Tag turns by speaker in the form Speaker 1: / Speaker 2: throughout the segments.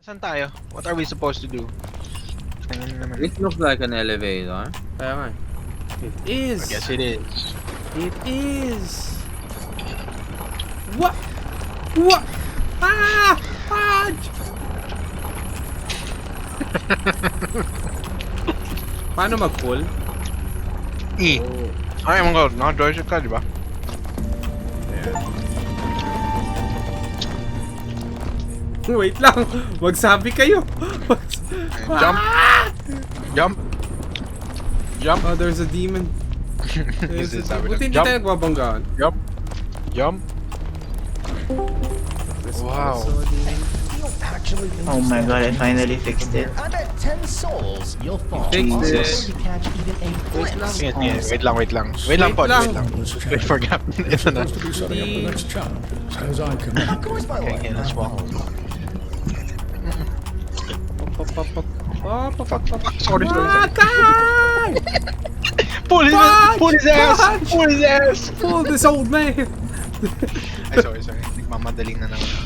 Speaker 1: Saan tayo? What are we supposed to do? Tingnan naman.
Speaker 2: It looks like an elevator.
Speaker 3: Kaya nga. It is.
Speaker 1: I guess it is.
Speaker 3: It is. What? What? Ah! Fudge! Paano mag-pull?
Speaker 1: E.
Speaker 3: Oh.
Speaker 1: Ay, mga god. Naka-joystick ka, di ba?
Speaker 3: Wait lang. Magsabi kayo.
Speaker 1: Jump. Jump. Jump.
Speaker 3: Oh, there's a demon.
Speaker 1: Is it sabi
Speaker 3: Buti
Speaker 1: na?
Speaker 3: hindi
Speaker 1: Jump.
Speaker 3: tayo nagbabanggaan.
Speaker 1: Jump. Jump.
Speaker 3: There's
Speaker 1: Wow.
Speaker 3: also a demon.
Speaker 4: Oh my god, I finally fixed it.
Speaker 5: I bet 10 souls you'll fall.
Speaker 2: Fixed
Speaker 5: Also,
Speaker 2: it.
Speaker 5: you catch even a glimpse.
Speaker 1: Sige, sige. Wait lang, wait lang. Wait lang, Pod. Wait lang. Wait for gap. Ito na.
Speaker 6: Supposed to be setting up the next challenge, as far as I'm concerned.
Speaker 5: Of course, my
Speaker 1: Okay,
Speaker 5: lord.
Speaker 1: let's walk. Sorry, sorry, sorry.
Speaker 3: Patay!
Speaker 1: Pull his
Speaker 3: Fudge!
Speaker 1: Pull his ass!
Speaker 3: Fudge!
Speaker 1: Pull his ass!
Speaker 3: Pull this old man!
Speaker 1: Ay, sorry, sorry. Nagmamadaling na naman.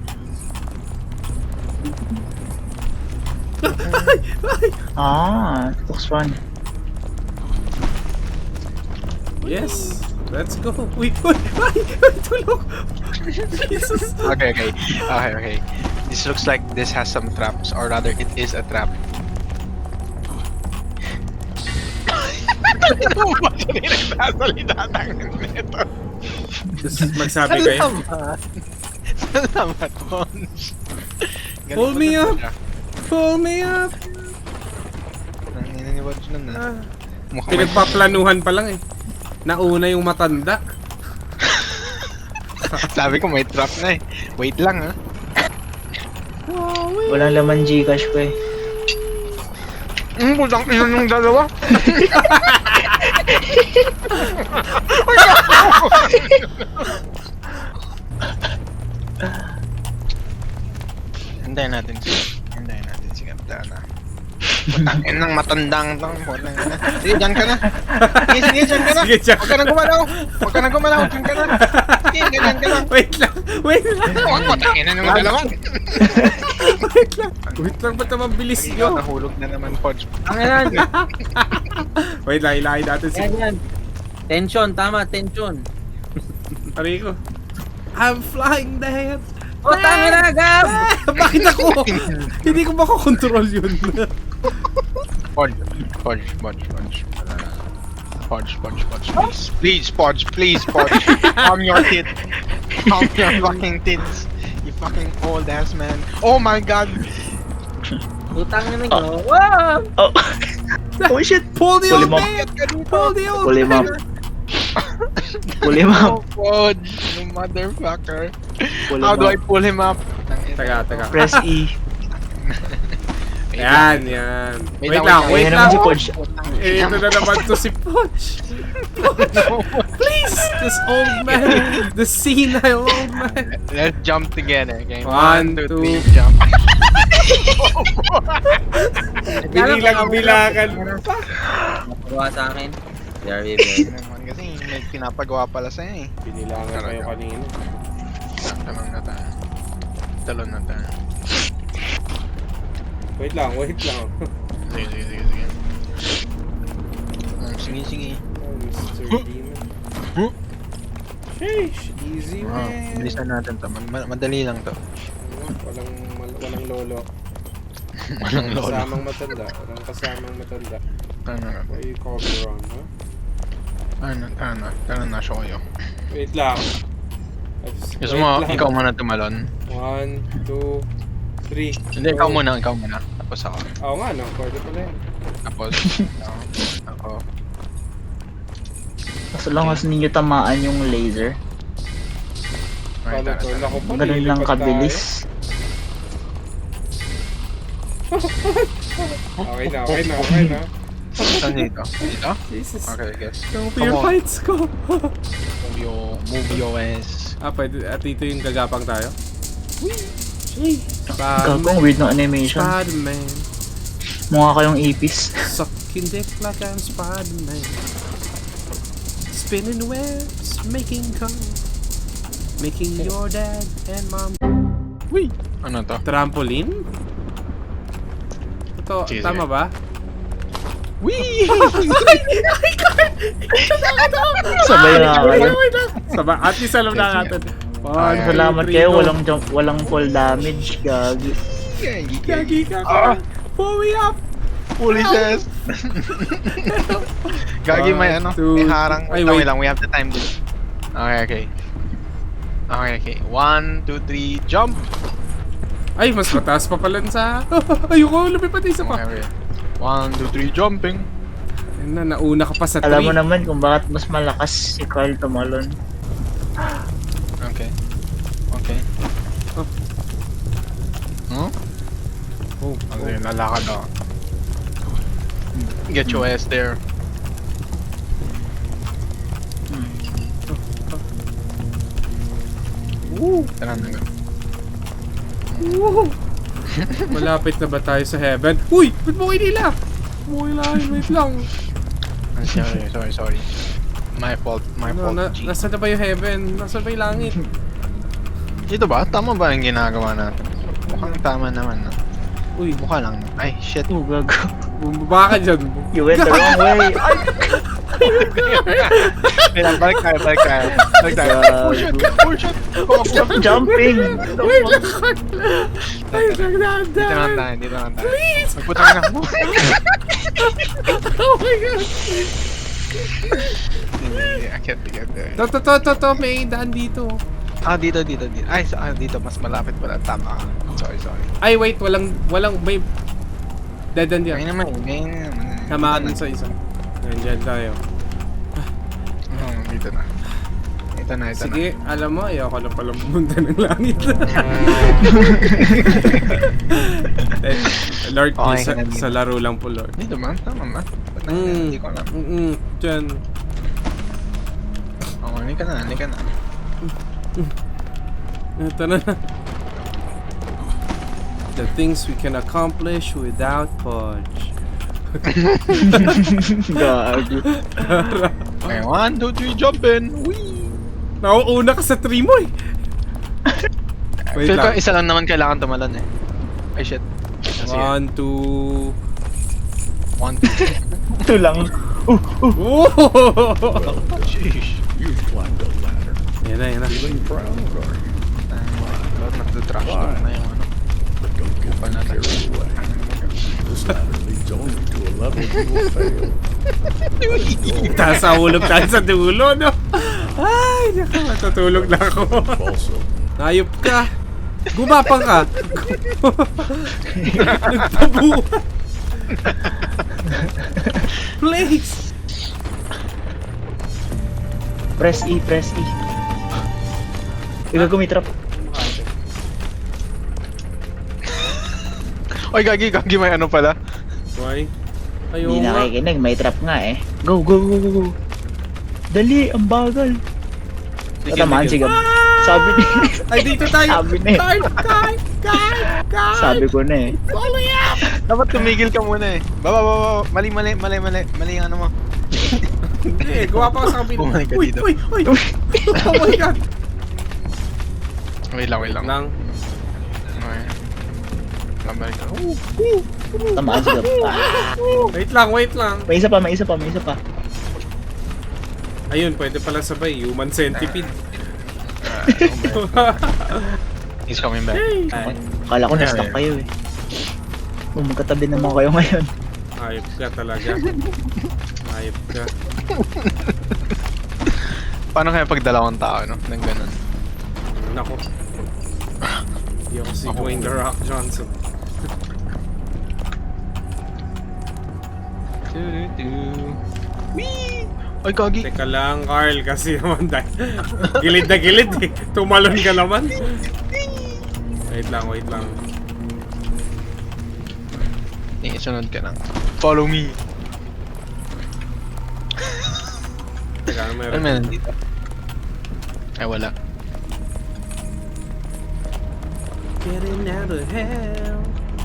Speaker 4: Ah, it looks fun.
Speaker 3: Yes, let's go. Wait, tulog. Jesus.
Speaker 1: Okay, okay. Okay, okay. This looks like this has some traps, or rather, it is a trap.
Speaker 3: Magsabi kayo.
Speaker 1: Salamat, Pons.
Speaker 3: Pull me up. Pull me up.
Speaker 1: Ang inaniwad nun na.
Speaker 3: Ah,
Speaker 1: Mukhang may...
Speaker 3: pinagpaplanuhan pa lang eh. Nauna yung matanda.
Speaker 1: Sabi ko may trap na eh. Wait lang ha.
Speaker 4: Walang laman Gcash ko eh.
Speaker 1: Putang ina yung dalawa. Hintayin natin siya. Hintayin natin si Kapitana na. Putang ina ng matandang tong. Putang ina. Sige, dyan ka na. Sige, sige, dyan ka na.
Speaker 3: Sige, dyan
Speaker 1: Huwag ka na gumalaw. Huwag ka na gumalaw. Dyan ka na. Sige, ganyan ka na.
Speaker 3: Wait lang. Wait lang.
Speaker 1: Putang ina ng dalawa.
Speaker 3: Wait lang. Wait lang, ba't naman bilis
Speaker 1: Ikaw,
Speaker 3: nyo?
Speaker 1: nahulog na naman, Pods.
Speaker 2: Ang yan.
Speaker 3: Wait lang, ilahin natin si
Speaker 2: Yan yan. Tension, tama, tension.
Speaker 3: Rico. I'm flying there.
Speaker 2: O, tanga na, Gab!
Speaker 3: Bakit ako? Hindi ko makakontrol yun.
Speaker 1: Podge, Podge, Podge, Podge. Podge, Podge, Podge, please. Please, Podge, please, Podge. Calm your tit. Calm your fucking tits. You fucking old ass man. Oh my god.
Speaker 2: Utang na nyo. Wow!
Speaker 4: Oh! Oh shit!
Speaker 3: Pull the
Speaker 4: Pull
Speaker 3: old
Speaker 4: him up.
Speaker 3: man! Pull the old
Speaker 4: Pull him
Speaker 3: man!
Speaker 4: up. Pull him
Speaker 1: Oh,
Speaker 4: up.
Speaker 1: Podge, you motherfucker.
Speaker 4: Pull
Speaker 1: How
Speaker 4: him
Speaker 1: do I
Speaker 4: up.
Speaker 1: pull him up?
Speaker 3: Taga, taga.
Speaker 4: Press E.
Speaker 3: Yan, yan.
Speaker 1: Wait
Speaker 3: Wait
Speaker 1: lang,
Speaker 3: lang,
Speaker 1: wait
Speaker 3: wait
Speaker 4: Ayan
Speaker 3: lang.
Speaker 4: naman si Coach.
Speaker 3: Eh, ito na naman to si Poch. Please, this old man. The senile old man.
Speaker 1: Let's jump together, okay?
Speaker 3: 1, 2,
Speaker 1: 3, jump.
Speaker 3: Binilang-bilangan pa.
Speaker 2: Nakuha sa akin. There we go.
Speaker 1: Naman kasi may pinapagawa pala sa'yo eh.
Speaker 3: Binilangan kayo kanina.
Speaker 1: Talon na tayo. Talon na tayo.
Speaker 3: Wait lang, wait lang.
Speaker 1: Sige, sige, sige, sige. Sige, sige.
Speaker 3: Oh, Mr. Demon.
Speaker 1: Huh?
Speaker 3: Sheesh, easy
Speaker 1: Ah,
Speaker 3: man.
Speaker 1: bilisan natin to. Madali lang to.
Speaker 3: Walang lolo.
Speaker 1: Walang lolo.
Speaker 3: Kasamang matanda. Walang kasamang matanda.
Speaker 1: Ano na?
Speaker 3: Why you cover on, ha?
Speaker 1: Ano na show kayo.
Speaker 3: Wait lang.
Speaker 1: Gusto mo, ikaw muna tumalon.
Speaker 3: 1, 2, 3.
Speaker 1: Hindi, ikaw muna, ikaw muna. Tapos ako.
Speaker 3: Oo nga, no? Pwede pala yun.
Speaker 1: Tapos, ako.
Speaker 4: As long as ninyo tamaan yung laser.
Speaker 1: Ay,
Speaker 3: Paano
Speaker 1: tara,
Speaker 3: to?
Speaker 1: tara.
Speaker 3: Naku po,
Speaker 4: Ganun lang
Speaker 3: lilipat
Speaker 4: kabilis.
Speaker 3: tayo. Okay na, okay na, okay na.
Speaker 1: Saan dito? Dito?
Speaker 3: Jesus.
Speaker 1: Okay, I guess.
Speaker 3: Yung
Speaker 1: Come
Speaker 3: fear
Speaker 1: on.
Speaker 3: fights ko.
Speaker 1: Move your ass.
Speaker 3: Pwede. At dito yung gagapang tayo.
Speaker 4: Gagawang weird ng animation.
Speaker 3: Spider-Man.
Speaker 4: Mukha kayong ipis.
Speaker 3: Sucking dick like I'm Spider-Man. Spinning webs, making cum. Making your dad and mom.
Speaker 1: Ano to?
Speaker 3: Trampoline? to,
Speaker 1: Sige,
Speaker 3: tama
Speaker 1: sige.
Speaker 3: ba?
Speaker 1: Wee!
Speaker 4: Sabay na kayo.
Speaker 3: Saba, at least alam na natin. One, two,
Speaker 4: Salamat
Speaker 3: three,
Speaker 4: kayo,
Speaker 3: go.
Speaker 4: walang full damage, gagi.
Speaker 3: Gagi ka.
Speaker 1: Ah!
Speaker 3: Pull me up.
Speaker 1: Foolishness! Gagi may
Speaker 3: One,
Speaker 1: ano,
Speaker 3: two,
Speaker 1: may harang.
Speaker 3: ay,
Speaker 1: Wait
Speaker 3: wait.
Speaker 1: lang, we have the time this. Okay. Okay. 1, 2, 3, jump!
Speaker 3: Ay, mas mataas pa pala sa... Ayoko, lumipad isa pa.
Speaker 1: Okay. 1, 2, 3, jumping!
Speaker 3: Ayun na, nauna ka pa sa 3.
Speaker 4: Alam mo naman kung bakit mas malakas si Carl tumalon.
Speaker 1: Okay.
Speaker 3: Oh.
Speaker 1: Huh?
Speaker 3: Oh,
Speaker 1: Okay, lalakad ako. Get your ass there. Tara na nga.
Speaker 3: Woo! Malapit na ba tayo sa heaven? Uy! Ba't mo kinila? Wait lang.
Speaker 1: Sorry. My fault, G.
Speaker 3: Nasaan na ba yung heaven? Nasaan ba yung langit?
Speaker 1: Dito ba? Tama ba yung ginagawa natin? Mukhang tama naman, no?
Speaker 3: Uy,
Speaker 1: Mukha lang. Ay, shit.
Speaker 4: Oh, gago.
Speaker 3: bumaba ka dyan.
Speaker 4: You went the wrong way.
Speaker 1: Wait lang, balik tayo. Push it!
Speaker 4: Stop jumping.
Speaker 3: Wait lang. Ay, nagdaan.
Speaker 1: Dito lang tayo.
Speaker 3: Please!
Speaker 1: Magputang na.
Speaker 3: Oh my God!
Speaker 1: I can't get there.
Speaker 3: To, may daan dito.
Speaker 1: Ah, dito. Ay, dito. Mas malapit pala. Tama ka. Sorry.
Speaker 3: Ay, wait, walang, may dead end
Speaker 1: Ngayon
Speaker 3: yan.
Speaker 1: naman.
Speaker 3: Tamaan sa isa. Yan tayo.
Speaker 1: Dito na. Ito na.
Speaker 3: Sige, alam mo, ayoko na pala pumunta ng langit. Lord,
Speaker 1: Okay
Speaker 3: sa,
Speaker 1: ka na dito.
Speaker 3: sa laro lang po, Lord.
Speaker 1: Dito ba? Tama ba? Ba't hindi ko alam?
Speaker 3: Diyan.
Speaker 1: Hindi ka na.
Speaker 3: Ito na. The things we can accomplish without Podge.
Speaker 4: Gago.
Speaker 1: Okay, 1, 2, 3, jump in! Whee!
Speaker 3: Nauuna ka sa tree mo eh. Wait
Speaker 1: Feel ko
Speaker 3: lang.
Speaker 1: isa lang naman kailangan tumalon eh. Ay shit.
Speaker 3: 1, 2...
Speaker 1: 1, 2,
Speaker 4: Ito lang.
Speaker 3: Oh!
Speaker 1: Sheesh.
Speaker 6: You climbed a ladder.
Speaker 3: Yan na.
Speaker 6: Feeling proud, are you?
Speaker 1: Nagdo-trash talk na yung ano.
Speaker 6: But don't get
Speaker 1: Wala na.
Speaker 6: carried away. This ladder leads only to a level you will fail.
Speaker 3: Tasahulog tayo sa dulo, no? Ay, naku, matutulog na ako.
Speaker 6: Also,
Speaker 3: Hayop ka. Gumapang ka. Nagtabuhan. Please.
Speaker 4: Press E. Ikaw gumitrap.
Speaker 1: Oy, gagi may ano pala.
Speaker 3: Why? Ayaw
Speaker 4: Hindi
Speaker 3: nga.
Speaker 4: nakikinig, may trap nga eh. Go. Dali, ang bagal. Tatamaan si Gab. Sabi ni...
Speaker 3: Ay, dito tayo.
Speaker 4: Sabi na eh.
Speaker 3: Guard.
Speaker 4: Sabi ko na eh.
Speaker 3: Follow me up.
Speaker 1: Dapat tumigil ka muna eh. Baba. Mali yung ano mo.
Speaker 3: Hindi, gawa pa ako sa kabila.
Speaker 1: Oh my God, dito.
Speaker 3: Uy. Oh my God.
Speaker 1: Wait lang.
Speaker 3: Nang.
Speaker 1: Okay. Babalik ka.
Speaker 4: Tamaan si Gab.
Speaker 3: Wait lang.
Speaker 4: May isa pa.
Speaker 3: Ayun, pwede pala sabay. Human centipede.
Speaker 1: He's coming back.
Speaker 4: Akala ko na-stuck kayo eh. Magkatabi naman kayo ngayon.
Speaker 3: Ayop ka talaga. Ayop ka.
Speaker 1: Paano kaya pag dalawang tao, no? Nang ganun.
Speaker 3: Nako. Hindi ako si Dwayne The Rock Johnson.
Speaker 1: Whee! Ay, gagi.
Speaker 3: Teka lang, Carl, kasi naman dahil gilid na gilid eh. Tumalon ka naman. Wait lang.
Speaker 1: Sunod ka lang. Follow me.
Speaker 3: Teka,
Speaker 1: Ano
Speaker 3: mayroon.
Speaker 1: meron dito? Ay, wala.
Speaker 3: Getting out of hell.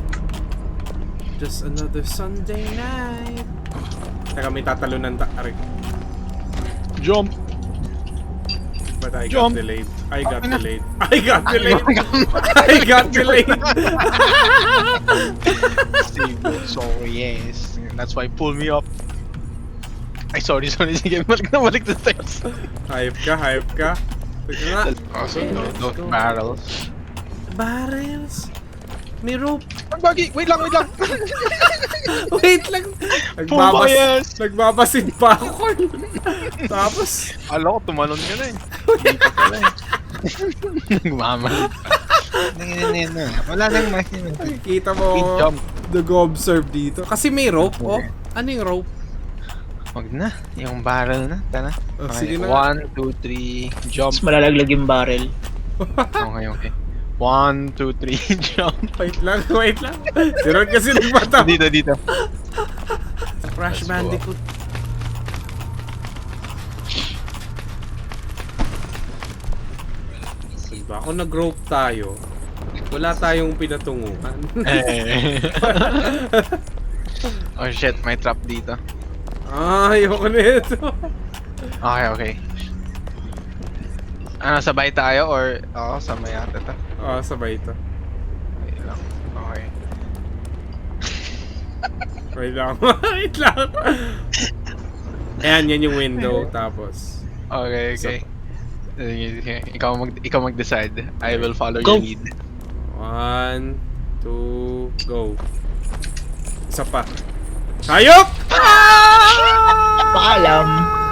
Speaker 3: Just another Sunday night. Teka, may tatalunan Aray.
Speaker 1: Jump!
Speaker 3: But I
Speaker 1: Jump.
Speaker 3: got delayed. I got delayed. I got delayed. I got delayed.
Speaker 1: Save it. So yes. That's why pull me up. Ay, sorry. Sige, balik the steps.
Speaker 3: Hype ka. Teka nga.
Speaker 1: Also,
Speaker 2: let's
Speaker 1: those
Speaker 2: go.
Speaker 1: barrels.
Speaker 3: Barrels. May rope.
Speaker 1: Ang bagi! Wait lang!
Speaker 3: Wait lang.
Speaker 1: Pumayas.
Speaker 3: Nagbabasid pa ako. Tapos,
Speaker 1: Alam ko, tumalon ka na eh. Hindi pa pala eh. Nagmamalit pa. Wala nang machine.
Speaker 3: kita
Speaker 1: Speed
Speaker 3: mo,
Speaker 1: jump.
Speaker 3: nag-observe dito. Kasi may rope, oh. Ano yung rope?
Speaker 1: Wag na. Yung barrel na. Tara.
Speaker 3: Oh,
Speaker 1: Okay,
Speaker 3: sige na.
Speaker 1: 1, 2, 3, jump.
Speaker 4: Mas malalaglag yung barrel.
Speaker 1: Okay. 1, 2, 3, jump.
Speaker 3: Wait lang. Si Ron kasi nagpataw.
Speaker 1: Dito.
Speaker 3: Crash Bandicoot. Diba? Kung nag-rope tayo, wala tayong pinatunguhan.
Speaker 1: Oh shit, may trap dito.
Speaker 3: Ayoko na ito.
Speaker 1: Okay. Ano, sabay tayo or... Oo, sabay yata to.
Speaker 3: Sabay ito.
Speaker 1: Wait lang. Okay.
Speaker 3: Wait lang. Ayan, yan yung window. Tapos,
Speaker 1: Okay. Sige. Ikaw mag-decide. I will follow
Speaker 4: Go.
Speaker 1: your lead.
Speaker 3: 1, 2, go. Isa pa. Hayop!
Speaker 4: Paalam.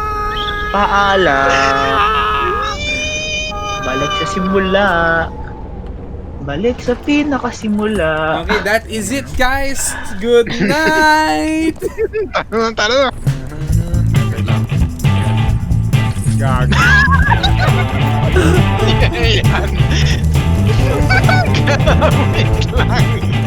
Speaker 4: Balik sa simula. Balik sa pinakasimula.
Speaker 3: Okay, that is it, guys. Good night.
Speaker 1: Tara na!
Speaker 3: Gag.
Speaker 1: Yan! Wait lang!